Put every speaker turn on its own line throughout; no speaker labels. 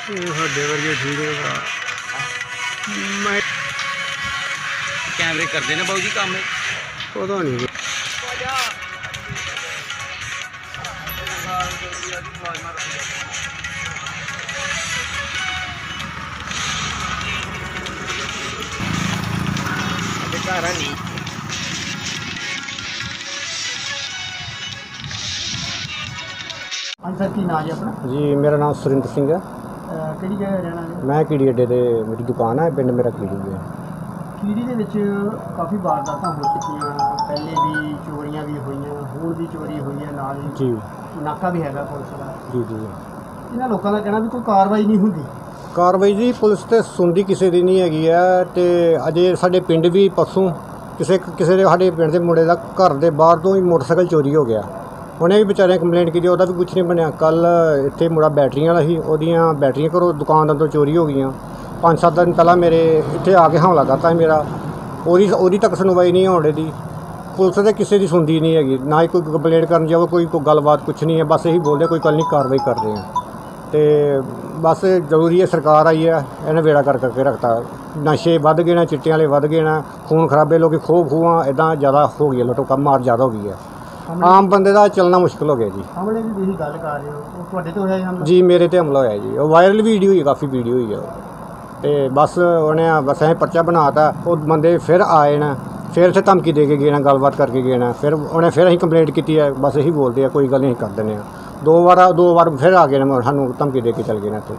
ਸਾਡੇ ਵਰਗੇ ਠੀਕ ਹੈ ਭਰਾ। ਮੈਂ
कैमरे करते ने बाबू जी काम
ਪਤਾ ਨਹੀਂ
घर है नहीं
ਹਾਂਜੀ ਸਰ ਕੀ ਨਾਂ ਜੀ ਆਪਣਾ
ਜੀ। ਮੇਰਾ ਨਾਮ ਸੁਰਿੰਦਰ ਸਿੰਘ ਹੈ।
ਕਿਹੜੀ ਜਗ੍ਹਾ ਰਹਿਣਾ ਜੀ?
ਮੈਂ ਕੀੜੀ ਅੱਡੇ ਤੇ ਮੇਰੀ ਦੁਕਾਨ ਹੈ, ਪਿੰਡ ਮੇਰਾ ਕੀੜੀ ਹੈ।
ਕੀੜੀ ਦੇ ਵਿੱਚ ਕਾਫੀ ਵਾਰਦਾਤਾਂ ਹੋ ਚੁੱਕੀਆਂ, ਪਹਿਲੇ ਵੀ ਚੋਰੀਆਂ ਵੀ ਹੋਈਆਂ, ਹੁਣ ਵੀ ਚੋਰੀ ਹੋਈ ਹੈ, ਨਾਲ ਹੀ
ਜੀ
ਨਾਕਾ ਵੀ ਹੈਗਾ ਪੁਲਿਸ ਦਾ।
ਜੀ ਜੀ।
ਇਹਨਾਂ ਲੋਕਾਂ ਦਾ ਕਹਿਣਾ ਵੀ ਕੋਈ ਕਾਰਵਾਈ ਨਹੀਂ ਹੁੰਦੀ।
ਕਾਰਵਾਈ ਜੀ ਪੁਲਿਸ ਤੇ ਸੁਣਦੀ ਕਿਸੇ ਦੀ ਨਹੀਂ ਹੈਗੀ ਹੈ। ਤੇ ਅਜੇ ਸਾਡੇ ਪਿੰਡ ਵੀ ਪਰਸੋਂ ਕਿਸੇ ਦੇ ਸਾਡੇ ਪਿੰਡ ਦੇ ਮੁੰਡੇ ਦਾ ਘਰ ਦੇ ਬਾਹਰ ਤੋਂ ਹੀ ਮੋਟਰਸਾਈਕਲ ਚੋਰੀ ਹੋ ਗਿਆ। ਉਹਨੇ ਵੀ ਵਿਚਾਰਿਆਂ ਕੰਪਲੇਂਟ ਕੀਤੀ, ਉਹਦਾ ਵੀ ਕੁਛ ਨਹੀਂ ਬਣਿਆ। ਕੱਲ ਇੱਥੇ ਮੁੰਡਾ ਬੈਟਰੀਆਂ ਵਾਲਾ ਸੀ, ਉਹਦੀਆਂ ਬੈਟਰੀਆਂ ਘਰੋਂ ਦੁਕਾਨਦਾਰ ਤੋਂ ਚੋਰੀ ਹੋ ਗਈਆਂ। 5-7 ਦਿਨ ਪਹਿਲਾਂ ਮੇਰੇ ਇੱਥੇ ਆ ਕੇ ਹਮਲਾ ਕਰਤਾ ਸੀ ਮੇਰਾ। ਉਹਦੀ ਤੱਕ ਸੁਣਵਾਈ ਨਹੀਂ ਹੋਣ ਦੀ। ਪੁਲਿਸ ਦੇ ਕਿਸੇ ਦੀ ਸੁਣਦੀ ਨਹੀਂ ਹੈਗੀ, ਨਾ ਹੀ ਕੋਈ ਕੰਪਲੇਂਟ ਕਰਨ ਜਾਵੇ, ਕੋਈ ਗੱਲਬਾਤ ਕੁਛ ਨਹੀਂ ਹੈ। ਬਸ ਇਹੀ ਬੋਲਦੇ ਕੋਈ ਕੱਲ ਨਹੀਂ ਕਾਰਵਾਈ ਕਰ ਰਹੇ ਹਾਂ। ਤੇ ਬਸ ਜ਼ਰੂਰੀ ਹੈ, ਸਰਕਾਰ ਆਈ ਹੈ, ਇਹਨੇ ਵੇੜਾ ਕਰਕੇ ਰੱਖਤਾ। ਨਸ਼ੇ ਵੱਧ ਗਏ ਨੇ, ਚਿੱਟਿਆਂ ਵਾਲੇ ਵੱਧ ਗਏ ਨੇ, ਖੂਨ ਖਰਾਬੇ, ਲੋਕ ਖੂਹਾਂ ਇੱਦਾਂ ਜ਼ਿਆਦਾ ਹੋ ਗਈ ਹੈ, ਲੁੱਟੋ ਕੰਮ ਮਾਰ ਜ਼ਿਆਦਾ ਹੋ ਗਈ ਹੈ। ਆਮ ਬੰਦੇ ਦਾ ਚੱਲਣਾ ਮੁਸ਼ਕਿਲ ਹੋ ਗਿਆ ਜੀ।
ਹਮਲੇ ਦੀ ਤੁਸੀਂ ਗੱਲ ਕਰ ਰਹੇ ਹੋ, ਉਹ ਤੁਹਾਡੇ ਤੋਂ ਹੋਇਆ ਹਮਲਾ?
ਜੀ ਮੇਰੇ ਤੇ ਹਮਲਾ ਹੋਇਆ ਜੀ। ਉਹ ਵਾਇਰਲ ਵੀਡੀਓ ਹੀ, ਕਾਫੀ ਵੀਡੀਓ ਹੀ ਆ ਉਹ। ਤੇ ਬਸ ਉਹਨੇ ਅਸੀਂ ਪਰਚਾ ਬਣਾਤਾ। ਉਹ ਬੰਦੇ ਫਿਰ ਆਏ ਨੇ, ਫਿਰ ਇੱਥੇ ਧਮਕੀ ਦੇ ਕੇ ਗਏ ਨੇ, ਗੱਲਬਾਤ ਕਰਕੇ ਗਏ ਨੇ। ਫਿਰ ਅਸੀਂ ਕੰਪਲੇਂਟ ਕੀਤੀ ਹੈ। ਬਸ ਇਹੀ ਬੋਲਦੇ ਆ ਕੋਈ ਗੱਲ ਨਹੀਂ ਕਰ ਦਿੰਦੇ ਆ। ਦੋ ਵਾਰ ਫਿਰ ਆ ਗਏ ਨੇ, ਸਾਨੂੰ ਧਮਕੀ ਦੇ ਕੇ ਚਲ ਗਏ ਨੇ ਇੱਥੇ।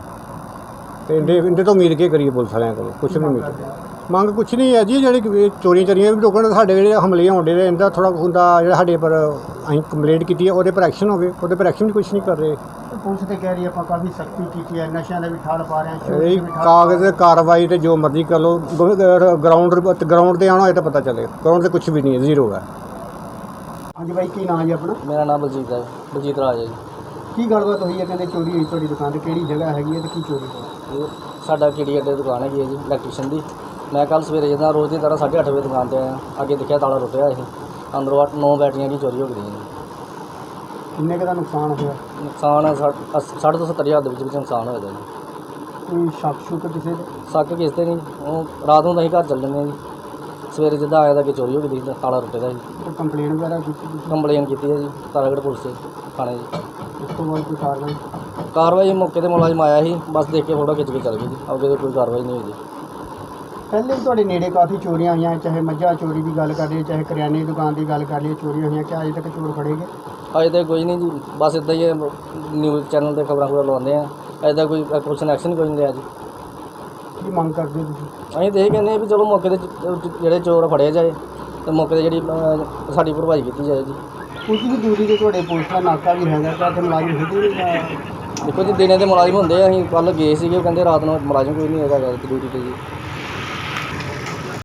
ਤੇ ਇਹਦੇ ਤੋਂ ਉਮੀਦ ਕੀ ਕਰੀਏ ਪੁਲਿਸ ਵਾਲਿਆਂ ਕੋਲ? ਕੁਛ ਨਹੀਂ ਉਮੀਦ, ਮੰਗ ਕੁਛ ਨਹੀਂ ਹੈ ਜੀ। ਜਿਹੜੀ ਚੋਰੀਆਂ ਵੀ ਰੋਕਣ, ਸਾਡੇ ਜਿਹੜੇ ਹਮਲੇ ਹੋਣਦੇ ਨੇ, ਇਹਦਾ ਥੋੜ੍ਹਾ ਹੁੰਦਾ ਜਿਹੜਾ ਸਾਡੇ ਪਰ ਅਸੀਂ ਕੰਪਲੇਂਟ ਕੀਤੀ ਹੈ, ਉਹਦੇ ਪਰ ਐਕਸ਼ਨ ਹੋਵੇ। ਉਹਦੇ ਪਰ ਐਕਸ਼ਨ ਵੀ ਕੁਛ ਨਹੀਂ ਕਰ ਰਹੇ।
ਪੁਲਿਸ ਤੇ ਕਹਿ ਰਹੀ ਆਪਾਂ ਕਾਫੀ ਸਖਤੀ ਕੀਤੀ ਹੈ, ਨਸ਼ਿਆਂ ਦਾ ਵੀ ਠੱਲ ਪਾ ਰਹੇ ਹਾਂ,
ਇਹ ਕਾਗਜ਼ ਕਾਰਵਾਈ ਤੇ ਜੋ ਮਰਜ਼ੀ ਕਰ ਲਓ। ਗਰਾਊਂਡ ਤੇ ਆਉਣਾ ਹੋਏ ਤਾਂ ਪਤਾ ਚੱਲੇ। ਗਰਾਊਂਡ ਤੇ ਕੁਛ ਵੀ ਨਹੀਂ ਹੈ, ਜ਼ੀਰੋ ਹੈ।
ਹਾਂਜੀ ਬਾਈ ਕੀ ਨਾਂ ਜੀ ਆਪਣਾ?
मेरा नाम बलजीत राज है
ਕੀ ਗੱਲਬਾਤ ਹੋਈ ਹੈ? ਕਹਿੰਦੇ ਚੋਰੀ ਹੋਈ ਤੁਹਾਡੀ ਦੁਕਾਨ ਤੇ, ਕਿਹੜੀ ਜਗ੍ਹਾ ਹੈਗੀ ਹੈ ਤੇ ਕੀ ਚੋਰੀ ਹੋਈ?
जी साडा किड़ी अड्डे दुकान है जी इलैक्ट्रीशियन की। मैं कल सवेरे जिदा रोज़ की तरह 8:30 बजे दुकान पर आया, अगे देखा ताला टुटिया है, अंदरों 8-9 बैटरियां की चोरी हो गई जी।
ਕਿੰਨੇ ਕੁ ਦਾ ਨੁਕਸਾਨ ਹੋਇਆ?
नुकसान 60 ਤੋਂ 70 हज़ार के नुकसान होया जी।
ਕੋਈ ਸ਼ੱਕ ਸ਼ੁਕ ਕਿਸੇ ਦੇ?
शक किस ते नहीं, वो रात ਨੂੰ ਅਸੀਂ ਘਰ ਚੱਲ ਜਾਂਦੇ ਜੀ। ਸਵੇਰੇ ਜਿੱਦਾਂ ਆਇਆ ਤਾਂ ਕਿ ਚੋਰੀ ਹੋ ਗਈ ਸੀ, ਤਾਲਾ ਟੁੱਟੇ ਦਾ ਜੀ।
ਕੋਈ ਕੰਪਲੇਂਟ ਵਗੈਰਾ ਕੀਤੀ ਤੁਸੀਂ?
ਕੰਪਲੇਨ ਕੀਤੀ ਹੈ ਜੀ ਤਾਰਾਗੜ੍ਹ ਪੁਲਿਸ ਦੇ ਥਾਣੇ ਜੀ।
ਉਸ ਤੋਂ ਬਾਅਦ ਕੋਈ ਕਾਰਵਾਈ?
ਕਾਰਵਾਈ ਮੌਕੇ ਤੇ ਮੁਲਾਜ਼ਮ ਆਇਆ ਸੀ, ਬਸ ਦੇਖ ਕੇ ਫੋਟੋ ਖਿੱਚ ਕੇ ਚੱਲ ਗਏ ਜੀ। ਅੱਗੇ ਤਾਂ ਕੋਈ ਕਾਰਵਾਈ ਨਹੀਂ ਹੋਈ ਜੀ।
ਪਹਿਲੇ ਵੀ ਤੁਹਾਡੇ ਨੇੜੇ ਕਾਫੀ ਚੋਰੀਆਂ ਹੋਈਆਂ, ਚਾਹੇ ਮੱਝਾਂ ਚੋਰੀ ਦੀ ਗੱਲ ਕਰ ਲਈਏ, ਚਾਹੇ ਕਰਿਆਨੇ ਦੀ ਦੁਕਾਨ ਦੀ ਗੱਲ ਕਰ ਲਈਏ, ਚੋਰੀਆਂ ਹੋਈਆਂ। ਕਿ ਅਜੇ ਤੱਕ ਚੋਰ ਫੜੇ ਗਏ?
ਅਜੇ ਤਾਂ ਕੋਈ ਨਹੀਂ ਜੀ, ਬਸ ਇੱਦਾਂ ਹੀ ਨਿਊਜ਼ ਚੈਨਲ 'ਤੇ ਖਬਰਾਂ ਲਗਾਉਂਦੇ ਆ। ਅਜੇ ਤਾਂ ਕੋਈ ਪੁਲਿਸ ਨੇ ਐਕਸ਼ਨ ਕੋਈ ਨਹੀਂ ਲਿਆ ਜੀ।
ਕੀ ਮੰਗ ਕਰਦੇ ਹੋ ਤੁਸੀਂ?
ਅਸੀਂ ਤਾਂ ਇਹ ਕਹਿੰਦੇ ਹਾਂ ਵੀ ਚਲੋ ਮੌਕੇ 'ਤੇ ਜਿਹੜੇ ਚੋਰ ਫੜੇ ਜਾਏ ਅਤੇ ਮੌਕੇ 'ਤੇ ਜਿਹੜੀ ਸਾਡੀ ਭਰਪਾਈ ਕੀਤੀ ਜਾਏ ਜੀ।
ਕੁਝ ਵੀ ਦੂਰੀ 'ਤੇ ਤੁਹਾਡੇ ਪੁਲਿਸ ਦਾ ਨਾਕਾ ਵੀ ਹੈਗਾ, ਤਾਂ ਇੱਥੇ ਮੁਲਾਜ਼ਮ ਹੁੰਦੇ ਨਹੀਂ?
ਦੇਖੋ ਜੀ ਦਿਨੇ ਦੇ ਮੁਲਾਜ਼ਮ ਹੁੰਦੇ ਆ, ਅਸੀਂ ਕੱਲ੍ਹ ਗਏ ਸੀਗੇ, ਉਹ ਕਹਿੰਦੇ ਰਾਤ ਨੂੰ ਮੁਲਾਜ਼ਮ ਕੋਈ ਨਹੀਂ ਹੈਗਾ ਡਿਊਟੀ 'ਤੇ ਜੀ।